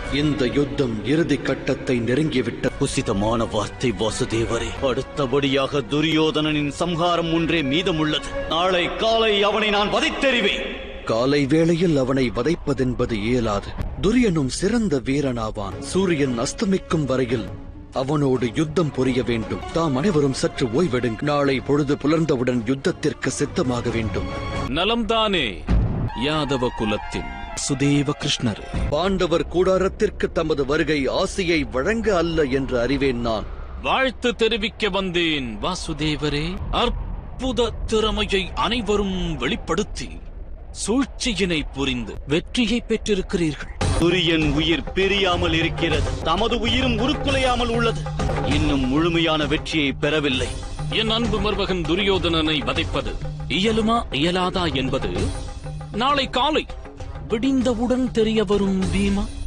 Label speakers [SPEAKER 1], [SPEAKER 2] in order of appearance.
[SPEAKER 1] இந்த யுத்தம் இறுதி கட்டத்தை நெருங்கிவிட்ட.
[SPEAKER 2] உசிதமான வார்த்தை வாசுதேவரே. அடுத்தபடியாக துரியோதனனின் சம்ஹாரம் ஒன்றே மீதமுள்ளது. நாளை காலை அவனை நான் வதைத்தெறிவேன்.
[SPEAKER 1] காலை வேளையில் அவனை வதைப்பதென்பது இயலாது. துரியனும் சிறந்த வீரனாவான். சூரியன் அஸ்தமிக்கும் வரையில் அவனோடு யுத்தம் புரிய வேண்டும். தாம் அனைவரும் சற்று ஓய்வெடுங்க. நாளை பொழுது புலர்ந்தவுடன் யுத்தத்திற்கு சித்தமாக வேண்டும்.
[SPEAKER 3] நலம்தானே யாதவ குலத்தின் சுதேவ கிருஷ்ணர்.
[SPEAKER 1] பாண்டவர் கூடாரத்திற்கு தமது வருகை ஆசையை வழங்க அல்ல என்று அறிவேன். நான்
[SPEAKER 3] வாழ்த்து தெரிவிக்க வந்தேன் வாசுதேவரே. அற்புத திறமையை அனைவரும் வெளிப்படுத்தி சூழ்ச்சியினை புரிந்து வெற்றியை பெற்றிருக்கிறீர்கள்.
[SPEAKER 2] துரியன் உயிர் பிரியாமல் இருக்கிறது. தமது உயிரும் உருக்குலையாமல் உள்ளது. இன்னும் முழுமையான வெற்றியை பெறவில்லை.
[SPEAKER 3] என் அன்பு மருமகன் துரியோதனனை வதைப்பது இயலுமா இயலாதா என்பது நாளை காலை விடிந்தவுடன் தெரிய வரும் பீமா.